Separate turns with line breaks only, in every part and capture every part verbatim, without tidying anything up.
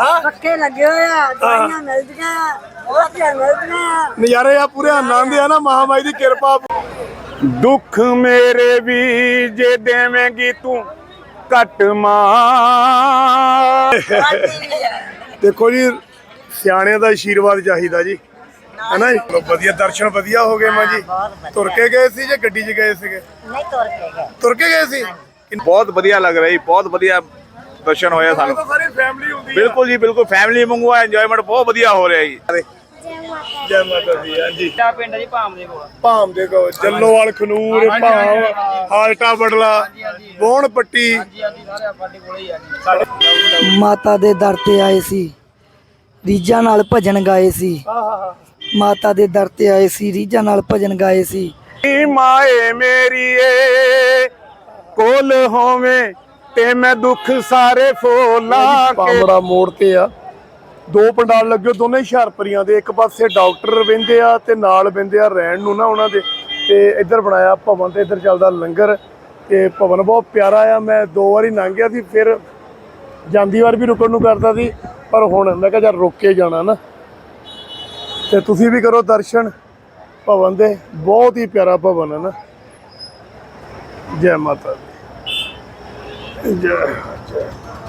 ਪੱਕੇ ਲੱਗੇ ਹੋਏ ਆ, ਦਵਾਈਆਂ ਮਿਲਦੀਆਂ ਆ, ਰੋਟੀਆਂ ਮਿਲਦੀਆਂ।
ਨਜ਼ਾਰੇ ਆ ਪੂਰੇ, ਆਨੰਦ ਆ ਨਾ ਮਹਾਮਾਈ ਦੀ ਕਿਰਪਾ। ਦੁੱਖ ਮੇਰੇ ਵੀ ਜੇ ਦੇਵੇਂਗੀ ਤੂੰ ਘੱਟ ਮਾਂ। ਦੇਖੋ ਜੀ, ਸਿਆਣਿਆਂ ਦਾ ਆਸ਼ੀਰਵਾਦ ਚਾਹੀਦਾ ਜੀ, ਹੈਨਾ ਜੀ। ਵਧੀਆ ਦਰਸ਼ਨ ਵਧੀਆ ਹੋ ਗਏ ਮਾਂ ਜੀ। ਤੁਰ ਕੇ ਗਏ ਸੀ ਜਾਂ ਗੱਡੀ 'ਚ ਗਏ ਸੀਗੇ?
ਨਹੀਂ, ਤੁਰ ਕੇ ਗਏ।
ਤੁਰ ਕੇ ਗਏ ਸੀ।
ਬਹੁਤ ਵਧੀਆ ਲੱਗ ਰਿਹਾ ਜੀ, ਬਹੁਤ ਵਧੀਆ ਦਰਸ਼ਨ ਹੋਇਆ ਸਾਨੂੰ।
ਸਾਰੀ ਫੈਮਿਲੀ ਹੁੰਦੀ।
ਬਿਲਕੁਲ ਜੀ, ਬਿਲਕੁਲ ਫੈਮਿਲੀ ਵਾਂਗੂ ਇੰਜੋਇਮੈਂਟ ਬਹੁਤ ਵਧੀਆ ਹੋ ਰਿਹਾ ਜੀ।
ਜੈ ਮਾਤਾ ਦੀ। ਹਾਂਜੀ,
ਕਿਹੜਾ ਪਿੰਡ ਜੀ? ਭਾਮ ਦੇ ਕੋਲ।
ਭਾਮ ਦੇ ਕੋਲ, ਜੱਲੋਵਾਲ, ਖਨੂਰ, ਭਾਮ, ਹਾਲਟਾ ਬੜਲਾ, ਬੋਣ ਪੱਟੀ।
ਹਾਂਜੀ ਹਾਂਜੀ, ਸਾਰੇ ਸਾਡੇ ਕੋਲੇ ਹੀ ਆ ਜੀ।
ਮਾਤਾ ਦੇ ਦਰ ਤੇ ਆਏ ਸੀ, ਰੀਝਾਂ ਨਾਲ ਭਜਨ ਗਾਏ ਸੀ। ਮਾਤਾ ਦੇ ਦਰ ਤੇ ਆਏ ਸੀ, ਰੀਝਾਂ ਨਾਲ ਭਜਨ ਗਾਏ ਸੀ।
ਮਾਏ ਮੇਰੀਏ ਕੋਲ ਹੋਵੇਂ ਤੇ ਮੈਂ ਦੁੱਖ ਸਾਰੇ ਫੋਲਾਂ। ਪਾਮੜਾ ਮੋੜ ਤੇ ਆ, ਦੋ ਪੰਡਾਲ ਲੱਗੇ, ਦੋਨੇ ਹੁਸ਼ਿਆਰਪੁਰੀਆਂ ਦੇ। ਇੱਕ ਪਾਸੇ ਡਾਕਟਰ ਬਹਿੰਦੇ ਆ ਤੇ ਨਾਲ ਬਹਿੰਦੇ ਆ ਰਹਿਣ ਨੂੰ ਨਾ ਉਹਨਾਂ ਦੇ। ਤੇ ਇੱਧਰ ਬਣਾਇਆ ਭਵਨ ਤੇ ਇੱਧਰ ਚੱਲਦਾ ਲੰਗਰ। ਤੇ ਭਵਨ ਬਹੁਤ ਪਿਆਰਾ ਆ। ਮੈਂ ਦੋ ਵਾਰੀ ਲੰਘ ਗਿਆ ਸੀ, ਫਿਰ ਜਾਂਦੀ ਵਾਰ ਵੀ ਰੁਕਣ ਨੂੰ ਕਰਦਾ ਸੀ, ਪਰ ਹੁਣ ਮੈਂ ਕਿਹਾ ਯਾਰ ਰੁਕ ਕੇ ਜਾਣਾ ਨਾ। ਤੇ ਤੁਸੀਂ ਵੀ ਕਰੋ ਦਰਸ਼ਨ ਭਵਨ ਦੇ, ਬਹੁਤ ਹੀ ਪਿਆਰਾ ਭਵਨ ਹੈ ਨਾ। ਜੈ ਮਾਤਾ ਦੀ। ਜੈ ਜੈ।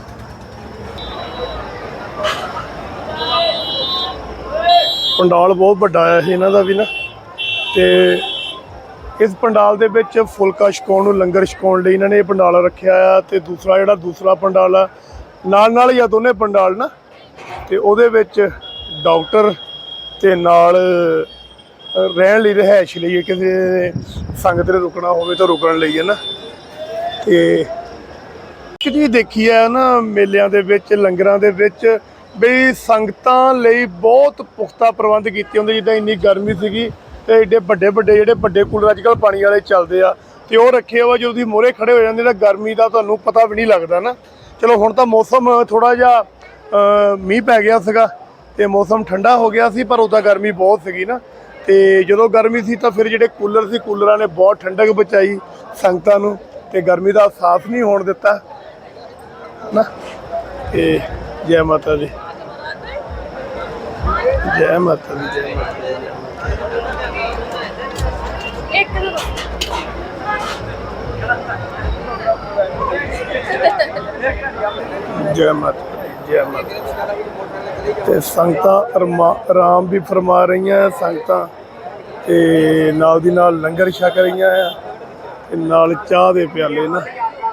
ਪੰਡਾਲ ਬਹੁਤ ਵੱਡਾ ਆਇਆ ਸੀ ਇਹਨਾਂ ਦਾ ਵੀ ਨਾ। ਤੇ ਇਸ ਪੰਡਾਲ ਦੇ ਵਿੱਚ ਫੁਲਕਾ ਛਕਾਉਣ ਨੂੰ, ਲੰਗਰ ਛਕਾਉਣ ਲਈ ਇਹਨਾਂ ਨੇ ਇਹ ਪੰਡਾਲ ਰੱਖਿਆ ਆ। ਤੇ ਦੂਸਰਾ ਜਿਹੜਾ ਦੂਸਰਾ ਪੰਡਾਲ ਆ ਨਾਲ ਨਾਲ ਹੀ ਆ, ਦੋਨੇ ਪੰਡਾਲ ਨਾ। ਤੇ ਉਹਦੇ ਵਿੱਚ ਡਾਕਟਰ ਤੇ ਨਾਲ ਰਹਿਣ ਲਈ, ਰਿਹਾਇਸ਼ ਲਈ, ਕਿਸੇ ਸੰਗਤ ਨੇ ਰੁਕਣਾ ਹੋਵੇ ਤਾਂ ਰੁਕਣ ਲਈ ਹੈ ਨਾ। ਤੇ ਇੱਕ ਚੀਜ਼ ਦੇਖੀ ਹੈ ਨਾ ਮੇਲਿਆਂ ਦੇ ਵਿੱਚ, ਲੰਗਰਾਂ ਦੇ ਵਿੱਚ, ਵੀ ਸੰਗਤਾਂ ਲਈ ਬਹੁਤ ਪੁਖਤਾ ਪ੍ਰਬੰਧ ਕੀਤੇ ਹੁੰਦੇ। ਜਿੱਦਾਂ ਇੰਨੀ ਗਰਮੀ ਸੀਗੀ ਤੇ ਏਡੇ ਵੱਡੇ ਵੱਡੇ ਜਿਹੜੇ ਵੱਡੇ ਕੂਲਰ ਅੱਜ ਕੱਲ੍ਹ ਪਾਣੀ ਵਾਲੇ ਚੱਲਦੇ ਆ, ਤੇ ਉਹ ਰੱਖੇ ਵਾ। ਜਦੋਂ ਤੁਸੀਂ ਮੋਹਰੇ ਖੜੇ ਹੋ ਜਾਂਦੇ ਤਾਂ ਗਰਮੀ ਦਾ ਤੁਹਾਨੂੰ ਪਤਾ ਵੀ ਨਹੀਂ ਲੱਗਦਾ ਨਾ। ਚਲੋ ਹੁਣ ਤਾਂ ਮੌਸਮ ਥੋੜ੍ਹਾ ਜਿਹਾ ਮੀਂਹ ਪੈ ਗਿਆ ਸੀਗਾ ਤੇ ਮੌਸਮ ਠੰਡਾ ਹੋ ਗਿਆ ਸੀ, ਪਰ ਉਦਾਂ ਗਰਮੀ ਬਹੁਤ ਸੀਗੀ ਨਾ। ਤੇ ਜਦੋਂ ਗਰਮੀ ਸੀ ਤਾਂ ਫਿਰ ਜਿਹੜੇ ਕੂਲਰ ਸੀ, ਕੂਲਰਾਂ ਨੇ ਬਹੁਤ ਠੰਡਕ ਬਚਾਈ ਸੰਗਤਾਂ ਨੂੰ ਤੇ ਗਰਮੀ ਦਾ ਅਹਿਸਾਸ ਨਹੀਂ ਹੋਣ ਦਿੱਤਾ ਨਾ। ਤੇ ਜੈ ਮਾਤਾ ਦੀ। ਜੈ ਮਾਤਾ ਦੀ। ਜੈ ਮਾਤਾ ਦੀ। ਜੈ ਮਾਤਾ ਦੀ। ਜੈ ਮਾਤਾ ਦੀ। ਤੇ ਸੰਗਤਾਂ ਆਰਾਮ ਵੀ ਫਰਮਾ ਰਹੀਆਂ ਸੰਗਤਾਂ, ਤੇ ਨਾਲ ਦੀ ਨਾਲ ਲੰਗਰ ਛਕ ਰਹੀਆਂ ਆ, ਤੇ ਨਾਲ ਚਾਹ ਦੇ ਪਿਆਲੇ ਨਾ।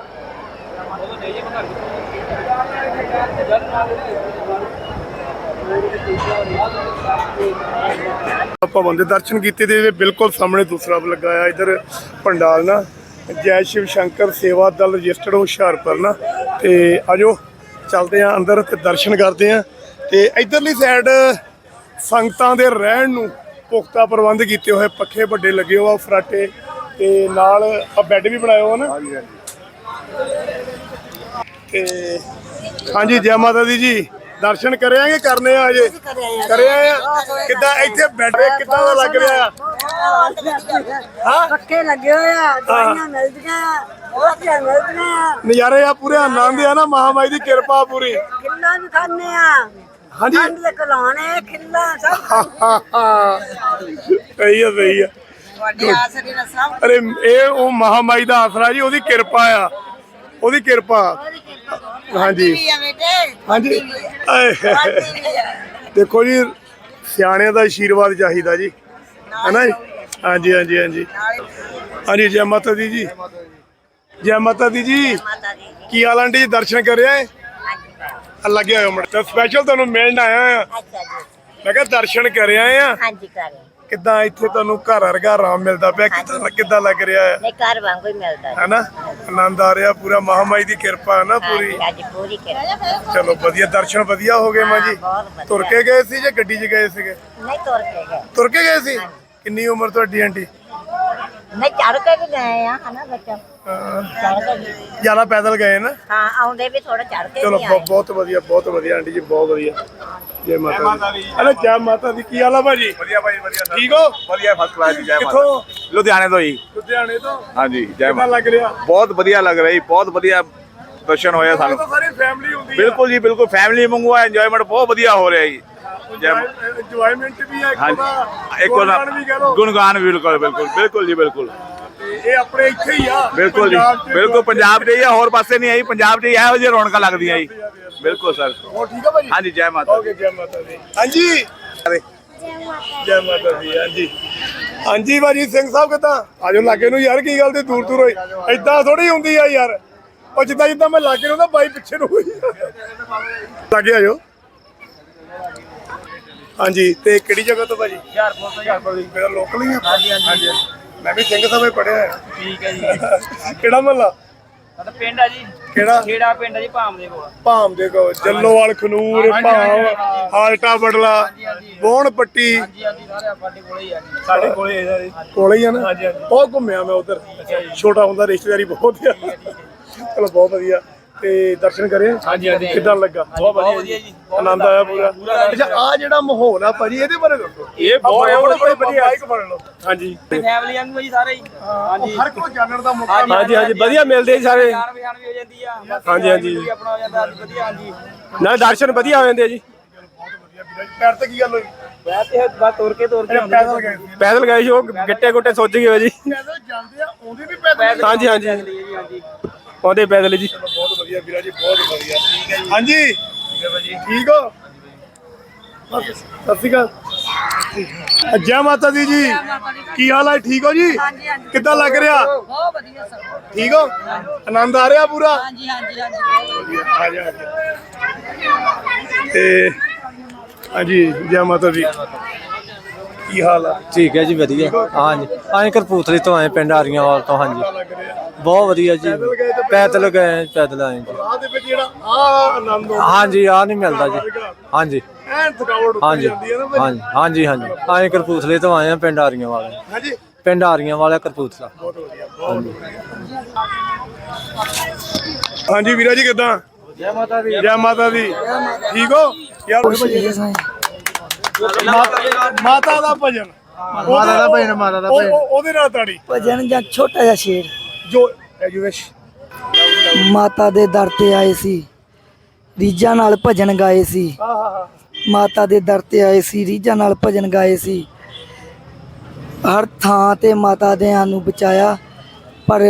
ਭਵਨ ਦੇ ਦਰਸ਼ਨ ਕੀਤੇ ਤੇ ਬਿਲਕੁਲ ਸਾਹਮਣੇ ਦੂਸਰਾ ਲੱਗਾ ਆ ਇੱਧਰ ਪੰਡਾਲ ਨਾ। ਜੈ ਸ਼ਿਵ ਸ਼ੰਕਰ ਸੇਵਾ ਦਲ ਰਜਿਸਟਰਡ ਹੁਸ਼ਿਆਰਪੁਰ ਨਾ। ਤੇ ਆਜੋ ਚੱਲਦੇ ਆ ਅੰਦਰ ਤੇ ਦਰਸ਼ਨ ਕਰਦੇ ਆ। ਤੇ ਇੱਧਰਲੀ ਸਾਈਡ ਸੰਗਤਾਂ ਦੇ ਰਹਿਣ ਨੂੰ ਪੁਖਤਾ ਪ੍ਰਬੰਧ ਕੀਤੇ ਹੋਏ, ਪੱਖੇ ਵੱਡੇ ਲੱਗੇ ਹੋਏ ਆ, ਫਰਾਟੇ, ਤੇ ਨਾਲ ਆ ਬੈੱਡ ਵੀ ਬਣਾਏ ਹੋਏ ਨਾ। ਤੇ ਹਾਂਜੀ, ਜੈ ਮਾਤਾ ਦੀ ਜੀ। ਦਰਸ਼ਨ ਕਰਿਆਂਗੇ, ਕਰਨੇ ਆ ਅਜੇ ਕਰਿਆ ਆ। ਕਿੱਦਾਂ ਇੱਥੇ ਬੈਠੇ, ਕਿੱਦਾਂ ਦਾ ਲੱਗ ਰਿਹਾ ਆ? ਹਾਂ,
ਪੱਕੇ ਲੱਗੇ ਹੋਏ ਆ, ਦਵਾਈਆਂ ਮਿਲਦੀਆਂ ਆ, ਰੋਟੀਆਂ ਮਿਲਦੀਆਂ।
ਨਜ਼ਾਰੇ ਆ ਪੂਰੇ, ਆਨੰਦ ਆ ਨਾ ਮਹਾਮਾਈ ਦੀ ਕਿਰਪਾ ਪੂਰੀ।
ਖਿੱਲਾ ਵੀ ਖਾਂਦੇ ਆ।
ਹਾਂਜੀ,
ਦੇ ਕਲਾਣੇ ਖਿੱਲਾ ਸਭ
ਸਹੀ ਆ, ਸਹੀ ਆ।
ਵੱਡੇ ਆਸਰੇ ਨਾਲ ਸਭ।
ਅਰੇ ਇਹ ਉਹ ਮਹਾਮਾਈ ਦਾ ਆਸਰਾ ਜੀ, ਉਹਦੀ ਕਿਰਪਾ ਆ, ਉਹਦੀ ਕਿਰਪਾ। ਹਾਂਜੀ ਹਾਂਜੀ। ਦੇਖੋ ਜੀ, ਸਿਆਣਿਆਂ ਦਾ ਆਸ਼ੀਰਵਾਦ ਚਾਹੀਦਾ ਜੀ, ਹੈਨਾ ਜੀ। ਹਾਂਜੀ ਹਾਂਜੀ ਹਾਂਜੀ ਹਾਂਜੀ। ਜੈ ਮਾਤਾ ਦੀ ਜੀ। ਜੈ ਮਾਤਾ ਦੀ ਜੀ। ਕੀ ਹਾਲ ਆਂਟੀ ਜੀ? ਦਰਸ਼ਨ ਕਰਿਆ ਏ? ਲੱਗਿਆ ਹੋਇਆ ਮੁੰਡਾ ਸਪੈਸ਼ਲ ਤੁਹਾਨੂੰ ਮਿਲਣ ਆਇਆ ਆ। ਮੈਂ ਕਿਹਾ ਦਰਸ਼ਨ ਕਰਿਆ ਆ।
ਹਾਂਜੀ ਕਰੇ।
ਕਿੱਦਾਂ ਇੱਥੇ ਤੁਹਾਨੂੰ ਘਰ ਵਰਗਾ ਆਰਾਮ ਮਿਲਦਾ ਪਿਆ? ਕਿੱਦਾਂ ਕਿੱਦਾਂ ਲੱਗ ਰਿਹਾ ਹੈ?
ਨਹੀਂ, ਘਰ ਵਾਂਗੂ ਹੀ ਮਿਲਦਾ
ਹੈ ਨਾ। ਆਨੰਦ ਆ ਰਿਹਾ ਪੂਰਾ, ਮਹਾਮਾਈ ਦੀ ਕਿਰਪਾ ਹੈ ਨਾ ਪੂਰੀ।
ਅੱਜ ਪੂਰੀ ਕਿਰਪਾ।
ਚਲੋ ਵਧੀਆ ਦਰਸ਼ਨ ਵਧੀਆ ਹੋ ਗਏ ਮਾਂ ਜੀ। ਤੁਰ ਕੇ ਗਏ ਸੀ ਜਾਂ ਗੱਡੀ 'ਚ ਗਏ ਸੀਗੇ?
ਨਹੀਂ, ਤੁਰ ਕੇ ਗਏ।
ਤੁਰ ਕੇ ਗਏ ਸੀ। ਕਿੰਨੀ ਉਮਰ ਤੁਹਾਡੀ ਆਂਟੀ?
ਨਹੀਂ, ਚੜ ਕੇ ਵੀ ਗਏ ਆ ਹਨਾ ਬੱਚਾ। ਚੜ ਕੇ ਵੀ।
ਜ਼ਿਆਦਾ ਪੈਦਲ ਗਏ ਨਾ?
ਹਾਂ, ਆਉਂਦੇ ਵੀ ਥੋੜਾ ਚੜ ਕੇ
ਚਲੋ
ਵੀ ਆਏ।
ਬਹੁਤ ਵਧੀਆ, ਬਹੁਤ ਵਧੀਆ ਆਂਟੀ ਜੀ, ਬਹੁਤ ਵਧੀਆ। ਜੈ ਮਾਤਾ ਦੀ। ਅਰੇ ਜੈ ਮਾਤਾ ਦੀ। ਕੀ ਹਾਲ ਆ ਭਾਜੀ?
ਵਧੀਆ ਭਾਈ, ਵਧੀਆ।
ਠੀਕ ਹੋ?
ਵਧੀਆ, ਫਸਟ ਕਲਾਸ ਜੀ। ਜੈ ਮਾਤਾ।
ਕਿੱਥੋਂ?
ਲੁਧਿਆਣੇ ਤੋਂ ਜੀ।
ਲੁਧਿਆਣੇ ਤੋਂ।
ਹਾਂਜੀ, ਜੈ
ਕਿੱਦਾਂ
ਮਾਤਾ।
ਲੱਗ ਰਿਹਾ?
ਬਹੁਤ ਵਧੀਆ ਲੱਗ ਰਿਹਾ ਜੀ, ਬਹੁਤ ਵਧੀਆ ਦਰਸ਼ਨ ਹੋਏ ਆ ਸਾਨੂੰ।
ਸਾਰੀ ਫੈਮਿਲੀ ਹੁੰਦੀ
ਬਿਲਕੁਲ ਜੀ ਬਿਲਕੁਲ ਫੈਮਿਲੀ ਵਾਂਗੂ ਆ, ਇੰਜੋਇਮੈਂਟ ਬਹੁਤ ਵਧੀਆ ਹੋ ਰਿਹਾ ਜੀ।
ਇੰਜੋਇਮੈਂਟ ਵੀ ਹੈ
ਹਾਂਜੀ ਇੱਕ ਉਹਦਾ ਗੁਣਗਾਨ ਵੀ ਬਿਲਕੁਲ ਬਿਲਕੁਲ ਬਿਲਕੁਲ ਜੀ ਬਿਲਕੁਲ।
ਇਹ ਆਪਣੇ ਇੱਥੇ ਹੀ ਆ
ਬਿਲਕੁਲ ਜੀ ਬਿਲਕੁਲ ਪੰਜਾਬ 'ਚ ਹੀ ਆ, ਹੋਰ ਪਾਸੇ ਨਹੀਂ ਆਈ, ਪੰਜਾਬ 'ਚ ਹੀ ਇਹੋ ਜਿਹੀ ਰੌਣਕਾਂ ਲੱਗਦੀਆਂ ਜੀ। ਬਿਲਕੁਲ ਸਰ।
ਹੋਰ ਠੀਕ ਆ ਭਾਜੀ?
ਹਾਂਜੀ ਜੈ ਮਾਤਾ
ਓਕੇ ਜੈ ਮਾਤਾ ਦੀ। ਹਾਂਜੀ ਜੈ ਮਾਤਾ ਦੀ। ਹਾਂਜੀ ਹਾਂਜੀ ਭਾਜੀ ਸਿੰਘ ਸਾਹਿਬ ਕਿੱਦਾਂ? ਆਜੋ ਲਾਗੇ ਨੂੰ ਯਾਰ, ਕੀ ਗੱਲ ਤੇ ਦੂਰ ਦੂਰ ਹੋਈ ਏਦਾਂ ਥੋੜੀ ਹੁੰਦੀ ਆ ਯਾਰ। ਉਹ ਜਿੱਦਾਂ ਜਿੱਦਾਂ ਮੈਂ ਲਾਗੇ ਨੂੰ ਨਾ ਬਾਈ ਪਿੱਛੇ ਨੂੰ ਹੋਈ ਲਾਗੇ ਆਜੋ। ਹਾਂਜੀ ਤੇ ਕਿਹੜੀ ਜਗ੍ਹਾ ਤੋਂ ਭਾਜੀ?
ਹੁਸ਼ਿਆਰਪੁਰ ਤੋਂ ਹੁਸ਼ਿਆਰਪੁਰ ਦੀ।
ਮੇਰਾ ਲੋਕਲ ਹੀ ਆ।
ਹਾਂਜੀ ਹਾਂਜੀ
ਮੈਂ ਵੀ ਸਿੰਘ ਸਾਹਿਬ ਪੜਿਆ।
ਠੀਕ ਹੈ ਜੀ।
ਕਿਹੜਾ ਮਹੱਲਾ?
ਸਾਡਾ ਪਿੰਡ ਆ ਜੀ
ਕਿਹੜਾ?
ਖੇੜਾ ਪਿੰਡ ਆ ਜੀ ਭਾਮ ਦੇ ਕੋਲ।
ਭਾਮ ਦੇ ਕੋ ਜੱਲੋਵਾਲ ਖਨੂਰ ਭਾਮ ਹਾਲਟਾ ਬੜਲਾ ਬੋਣ ਪੱਟੀ
ਹਾਂਜੀ ਹਾਂਜੀ ਸਾਰੇ ਸਾਡੇ ਕੋਲੇ ਹੀ ਆ ਜੀ। ਸਾਡੇ ਕੋਲੇ
ਕੋਲੇ ਹੀ ਆ ਨਾ। ਬਹੁਤ ਘੁੰਮਿਆ ਮੈਂ ਉਧਰ, ਛੋਟਾ ਹੁੰਦਾ ਰਿਸ਼ਤੇਦਾਰੀ ਬਹੁਤ ਆ। ਚਲੋ ਬਹੁਤ ਵਧੀਆ। ਤੇ ਦਰਸ਼ਨ ਕਰੇ?
ਹਾਂਜੀ ਹਾਂਜੀ।
ਕਿੱਦਾਂ ਲੱਗਾ?
ਬਹੁਤ ਵਧੀਆ ਜੀ।
ਆਨੰਦ ਆਇਆ ਪੂਰਾ? ਅੱਛਾ ਆ ਜਿਹੜਾ ਮਾਹੌਲ ਆ ਭਾਜੀ ਇਹਦੇ ਬਾਰੇ ਦੱਸੋ।
ਇਹ ਬਹੁਤ
ਵਧੀਆ ਮਾਈਕ ਫੜ ਲਓ। ਹਾਂਜੀ
ਫੈਮਿਲੀ ਵਾਂਗੂ ਜੀ ਸਾਰੇ ਹੀ। ਹਾਂਜੀ
ਹਰ ਕੋਈ ਜਾਣਨ ਦਾ ਮੌਕਾ
ਹਾਂਜੀ ਹਾਂਜੀ ਵਧੀਆ ਮਿਲਦੇ ਜੀ ਸਾਰੇ। ਜਾਣ ਪਛਾਣ ਵੀ ਹੋ ਜਾਂਦੀ ਆ।
ਹਾਂਜੀ ਹਾਂਜੀ
ਆਪਣਾ ਹੋ ਜਾਂਦਾ ਵਧੀਆ। ਹਾਂਜੀ
ਨਾ ਦਰਸ਼ਨ ਵਧੀਆ ਹੋ ਜਾਂਦੇ ਆ ਜੀ। ਬਹੁਤ ਵਧੀਆ ਵੀਰ ਜੀ। ਪੈਰ ਤੇ ਕੀ ਗੱਲ ਹੋਈ?
ਮੈਂ ਤੇ ਬਸ ਤੁਰ ਕੇ ਤੁਰ ਕੇ
ਪੈਦਲ ਗਏ ਸੀ?
ਪੈਦਲ ਗਏ ਸੀ, ਉਹ ਗਿੱਟੇ ਗੁੱਟੇ ਸੁੱਜ ਗਏ ਜੀ।
ਪੈਦਲ ਜਾਂਦੇ ਆ, ਆਉਂਦੇ ਵੀ ਪੈਦਲ?
ਹਾਂਜੀ ਹਾਂਜੀ
ਹਾਂਜੀ
ਆਉਂਦੇ ਪੈਦਲ ਜੀ।
ਬਹੁਤ ਵਧੀਆ ਵੀਰਾ ਜੀ, ਬਹੁਤ ਵਧੀਆ। ਠੀਕ ਹੈ ਜੀ। ਹਾਂਜੀ ਠੀਕ ਹੈ ਭਾਜੀ। ਠੀਕ ਹੋ? ਸਤਿ ਸ਼੍ਰੀ ਅਕਾਲ। ਜੈ ਮਾਤਾ ਦੀ ਜੀ। ਕੀ ਹਾਲ ਹੈ? ਠੀਕ ਹੋ ਜੀ? ਕਿੱਦਾਂ ਲੱਗ ਰਿਹਾ?
ਬਹੁਤ ਵਧੀਆ ਸਰ।
ਠੀਕ ਹੋ? ਆਨੰਦ ਆ ਰਿਹਾ ਪੂਰਾ?
ਹਾਂਜੀ ਹਾਂਜੀ ਹਾਂਜੀ
ਆ ਜਾ ਆ ਜਾ। ਤੇ ਹਾਂਜੀ ਜੈ ਮਾਤਾ ਦੀ। ਕੀ ਹਾਲ ਆ?
ਠੀਕ ਹੈ ਜੀ ਵਧੀਆ। ਹਾਂਜੀ ਆਏ ਕਰਪੂਥਲੇ ਤੋਂ ਆਏ, ਪਿੰਡ ਆਰੀਆਂਵਾਲ ਤੋਂ। ਹਾਂਜੀ
ਲੱਗ ਰਿਹਾ
ਬਹੁਤ ਵਧੀਆ ਜੀ। ਪੈਦਲ ਗਏ, ਪੈਦਲ ਆਏ ਜੀ।
ਰਾਹ ਦੇ ਵਿੱਚ ਜਿਹੜਾ ਆ ਆਨੰਦ ਆਉਂਦਾ
ਹਾਂਜੀ ਆ ਨਹੀਂ ਮਿਲਦਾ ਜੀ। ਹਾਂਜੀ
ਐਨ ਥਕਾਵਟ ਉੱਤਰ
ਹਾਂਜੀ
ਜਾਂਦੀ ਹੈ ਨਾ ਭਾਜੀ।
ਹਾਂਜੀ ਹਾਂਜੀ ਹਾਂਜੀ ਆਏ ਕਰਪੂਥਲੇ ਤੋਂ ਆਏ ਆ, ਪਿੰਡ ਆਰੀਆਂਵਾਲ।
ਹਾਂਜੀ
ਪਿੰਡ ਆਰੀਆਂਵਾਲ ਕਰਪੂਥਲਾ।
ਬਹੁਤ ਵਧੀਆ ਬਹੁਤ ਵਧੀਆ। ਹਾਂਜੀ ਵੀਰਾ ਜੀ ਕਿੱਦਾਂ?
ਜੈ ਮਾਤਾ ਦੀ।
ਜੈ ਮਾਤਾ ਦੀ। ਠੀਕ ਹੋ ਯਾਰ? ਮਾਤਾ ਮਾਤਾ ਦਾ ਭਜਨ।
ਮਾਤਾ ਦਾ ਭਜਨ, ਮਾਤਾ ਦਾ
ਉਹ-
ਭਜਨ।
ਉਹ- ਉਹਦੇ ਨਾਲ ਤਾੜੀ
ਭਜਨ ਜਾਂ ਛੋਟਾ ਜਿਹਾ ਸ਼ੇਰ।
ਜੋ ਐਜੂਵੇਸ਼
ਮਾਤਾ ਦੇ ਦਰ ਤੇ ਆਏ ਸੀ, ਰੀਝਾਂ ਨਾਲ ਭਜਨ ਗਾਏ ਸੀ।
ਹਾਂ ਹਾਂ ਹਾਂ
ਮਾਤਾ ਦੇ ਦਰ ਤੇ ਆਏ ਸੀ, ਰੀਝਾਂ ਨਾਲ ਭਜਨ ਗਾਏ ਸੀ। ਹਰ ਥਾਂ ਤੇ ਮਾਤਾ ਦੇ ਸਾਨੂੰ ਬਚਾਇਆ, ਪਰ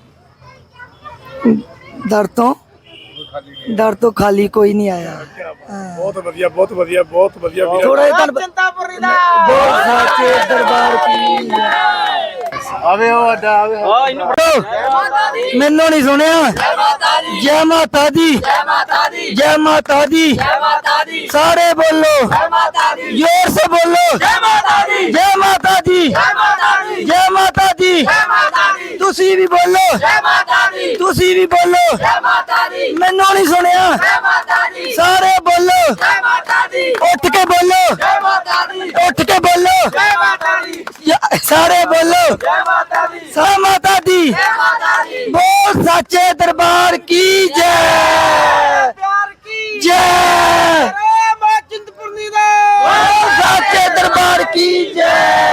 ਦਰ ਤੋਂ ਦਰ ਤੋਂ ਖਾਲੀ ਕੋਈ ਨਹੀਂ ਆਇਆ।
ਬਹੁਤ ਵਧੀਆ ਬਹੁਤ ਵਧੀਆ ਬਹੁਤ ਵਧੀਆ ਵੀਰਾ।
ਥੋੜਾ ਜਿਹਾ ਚਿੰਤਾਪੁਰੀ ਦਾ ਬੋਲ ਸਾਚੇ ਦਰਬਾਰ ਕੀ
ਆਵੇ ਉਹ ਅੱਡਾ ਆਵੇ।
ਆ ਇਹਨੂੰ
ਮੈਨੂੰ ਨਹੀਂ ਸੁਣਿਆ। ਜੈ ਮਾਤਾ ਦੀ। ਜੈ ਮਾਤਾ ਦੀ। ਜੈ ਮਾਤਾ ਦੀ। ਜੈ ਮਾਤਾ ਦੀ। ਸਾਰੇ ਬੋਲੋ ਜੈ ਮਾਤਾ ਦੀ। ਜ਼ੋਰ ਸੇ ਬੋਲੋ ਜੈ ਮਾਤਾ ਦੀ। ਜੈ ਮਾਤਾ ਦੀ। ਜੈ ਮਾਤਾ ਦੀ। ਜੈ ਮਾਤਾ ਦੀ। ਜੈ ਮਾਤਾ ਦੀ। ਤੁਸੀਂ ਵੀ ਬੋਲੋ ਜੈ ਮਾਤਾ ਦੀ। ਤੁਸੀਂ ਵੀ ਬੋਲੋ ਜੈ ਮਾਤਾ ਦੀ। ਮੈਨੂੰ ਨਹੀਂ ਸੁਣਿਆ। ਜੈ ਮਾਤਾ ਦੀ। ਸਾਰੇ ਬੋਲੋ ਜੈ ਮਾਤਾ ਦੀ। ਉੱਠ ਕੇ ਬੋਲੋ ਜੈ ਮਾਤਾ ਦੀ। ਉੱਠ ਕੇ ਬੋਲੋ ਜੈ ਮਾਤਾ ਦੀ। ਸਾਰੇ ਬੋਲੋ ਜੈ ਮਾਤਾ ਦੀ। ਜੈ ਮਾਤਾ ਦੀ। ਜੈ ਮਾਤਾ ਦੀ। ਬੋਲ ਸਾਚੇ ਦਰਬਾਰ ਕੀ ਜੈ। ਪਿਆਰ ਕੀ ਜੈ। ਮਾਂ ਚਿੰਤਪੁਰਨੀ ਦਾ ਬੋਲ ਸਾਚੇ ਦਰਬਾਰ ਕੀ ਜੈ।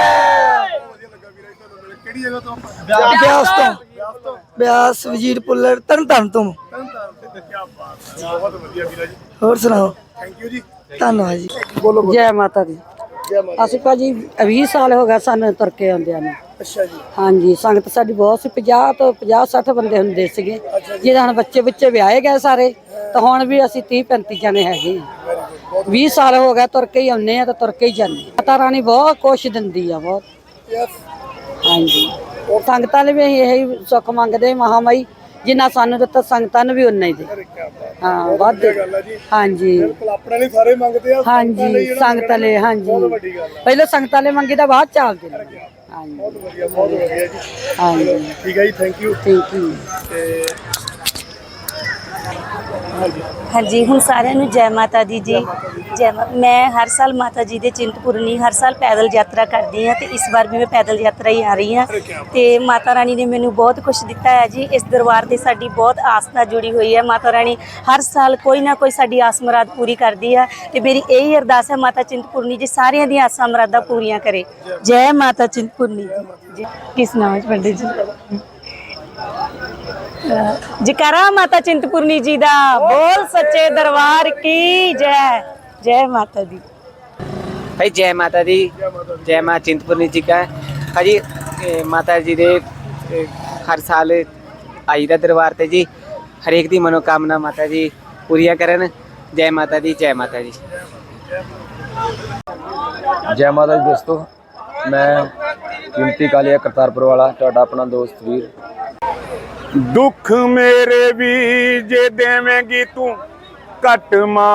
ਕਿਹੜੀ ਜਗ੍ਹਾ ਤੋਂ?
ਬਿਆਸ ਤੋਂ। ਬਿਆਸ ਵਜ਼ੀਰ ਪੁੱਲਰ ਤਰਨ ਤਾਰਨ ਤੋਂ।
ਬਹੁਤ ਵਧੀਆ ਵੀਰਾ ਜੀ।
ਹੋਰ ਸੁਣਾਓ?
ਥੈਂਕ ਯੂ ਜੀ।
ਧੰਨਵਾਦ ਜੀ।
ਬੋਲੋ ਬੋਲੋ।
ਜੈ ਮਾਤਾ ਦੀ।
ਜੈ ਮਾਤਾ।
ਅਸੀਂ ਭਾਜੀ ਵੀਹ ਸਾਲ ਹੋ ਗਏ ਸਾਨੂੰ ਤੁਰ ਕੇ ਆਉਂਦਿਆਂ ਨੂੰ।
ਅੱਛਾ ਜੀ।
ਹਾਂਜੀ ਸੰਗਤ ਸਾਡੀ ਬਹੁਤ ਸੀ, ਪੰਜਾਹ ਤੋਂ ਪੰਜਾਹ ਸੱਠ ਬੰਦੇ ਹੁੰਦੇ ਸੀਗੇ। ਜਿਹਦੇ ਹੁਣ ਬੱਚੇ ਬੱਚੇ ਵਿਆਹੇ ਗਏ ਸਾਰੇ, ਤਾਂ ਹੁਣ ਵੀ ਅਸੀਂ ਤੀਹ ਪੈਂਤੀ ਜਣੇ ਹੈਗੇ ਹਾਂ। ਵੀਹ ਸਾਲ ਹੋ ਗਏ ਤੁਰ ਕੇ ਹੀ ਆਉਂਦੇ ਆ ਤੇ ਤੁਰ ਕੇ ਹੀ ਜਾਂਦੇ। ਮਾਤਾ ਰਾਣੀ ਬਹੁਤ ਕੁਛ ਦਿੰਦੀ ਆ ਬਹੁਤ। ਹਾਂਜੀ ਸੰਗਤਾਂ ਲਈ ਵੀ ਅਸੀਂ ਇਹੀ ਸੁੱਖ ਮੰਗਦੇ ਮਹਾਮਾਈ, ਜਿੰਨਾ ਸਾਨੂੰ ਦਿੱਤਾ ਸੰਗਤਾਂ ਨੂੰ ਵੀ ਉਨਾ ਹੀ ਦੇ। ਹਾਂ ਵੱਧ।
ਗੱਲ ਹੈ ਜੀ।
ਹਾਂਜੀ
ਬਿਲਕੁਲ ਆਪਣੇ ਲਈ ਸਾਰੇ ਮੰਗਦੇ ਆ।
ਹਾਂਜੀ ਸੰਗਤਾਂ ਲਈ। ਹਾਂਜੀ
ਬਹੁਤ ਵੱਡੀ ਗੱਲ ਹੈ।
ਪਹਿਲਾਂ ਸੰਗਤਾਂ ਲਈ ਮੰਗੀ ਤਾਂ ਬਾਅਦ ਚੱਲਦੇ ਨੇ। ਹਾਂਜੀ
ਬਹੁਤ ਵਧੀਆ ਬਹੁਤ ਵਧੀਆ ਜੀ।
ਹਾਂਜੀ
ਠੀਕ ਹੈ ਜੀ ਥੈਂਕ ਯੂ।
Thank you.
ਤੇ
ਹਾਂਜੀ ਹੁਣ ਸਾਰਿਆਂ ਨੂੰ ਜੈ ਮਾਤਾ ਦੀ ਜੀ। ਜੈ ਮਾ- ਮੈਂ ਹਰ ਸਾਲ ਮਾਤਾ ਜੀ ਦੇ ਚਿੰਤਪੁਰਨੀ ਹਰ ਸਾਲ ਪੈਦਲ ਯਾਤਰਾ ਕਰਦੀ ਹਾਂ, ਤੇ ਇਸ ਵਾਰ ਵੀ ਮੈਂ ਪੈਦਲ ਯਾਤਰਾ ਹੀ ਆ ਰਹੀ ਹਾਂ। ਤੇ ਮਾਤਾ ਰਾਣੀ ਨੇ ਮੈਨੂੰ ਬਹੁਤ ਕੁਝ ਦਿੱਤਾ ਹੈ ਜੀ। ਇਸ ਦਰਬਾਰ ਤੇ ਸਾਡੀ ਬਹੁਤ ਆਸਥਾ ਜੁੜੀ ਹੋਈ ਹੈ। ਮਾਤਾ ਰਾਣੀ ਹਰ ਸਾਲ ਕੋਈ ਨਾ ਕੋਈ ਸਾਡੀ ਆਸ ਮੁਰਾਦ ਪੂਰੀ ਕਰਦੀ ਹੈ, ਤੇ ਮੇਰੀ ਇਹੀ ਅਰਦਾਸ ਹੈ ਮਾਤਾ ਚਿੰਤਪੁਰਨੀ ਜੀ ਸਾਰਿਆਂ ਦੀਆਂ ਆਸਾਂ ਮੁਰਾਦਾਂ ਪੂਰੀਆਂ ਕਰੇ। ਜੈ ਮਾਤਾ ਚਿੰਤਪੁਰਨੀ ਜੀ। ਕਿਸ ਨਾਮ ਹੈ ਪੰਡਿਤ ਜੀ? ਜਕਾਰਾ ਮਾਤਾ ਚਿੰਤਪੁਰਨੀ ਜੀ ਦਾ ਬੋਲ ਸੱਚੇ ਦਰਬਾਰ ਕੀ ਜੈ ਜੈ ਮਾਤਾ ਦੀ।
भाई जय माता दी, जय माँ चिंतपूर्णी जी का हाँ जी। ए, माता जी दे ए, हर साल आई दा दरबार ते जी, हरेक दी मनोकामना माता जी पूरियां करन। जय माता दी, जय माता दी।
जय माता दी दोस्तों, मैं कीमती कालिया करतारपुर वाला तुहाडा अपना दोस्त वीर।
दुख मेरे भी जे देवेंगी तू घट मां,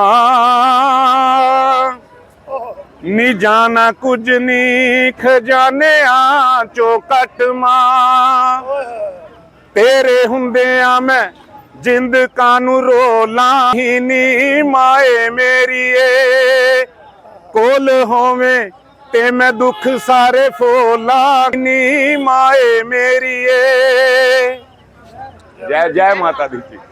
नी जाना कुछ नी खजाने आ चो कट मां, तेरे हुंदियां मैं जिंद कानू रोला ही नी माए मेरी ए, कोल होवे ते मैं दुख सारे फोला नी माए मेरी ए। जय जय माता दी।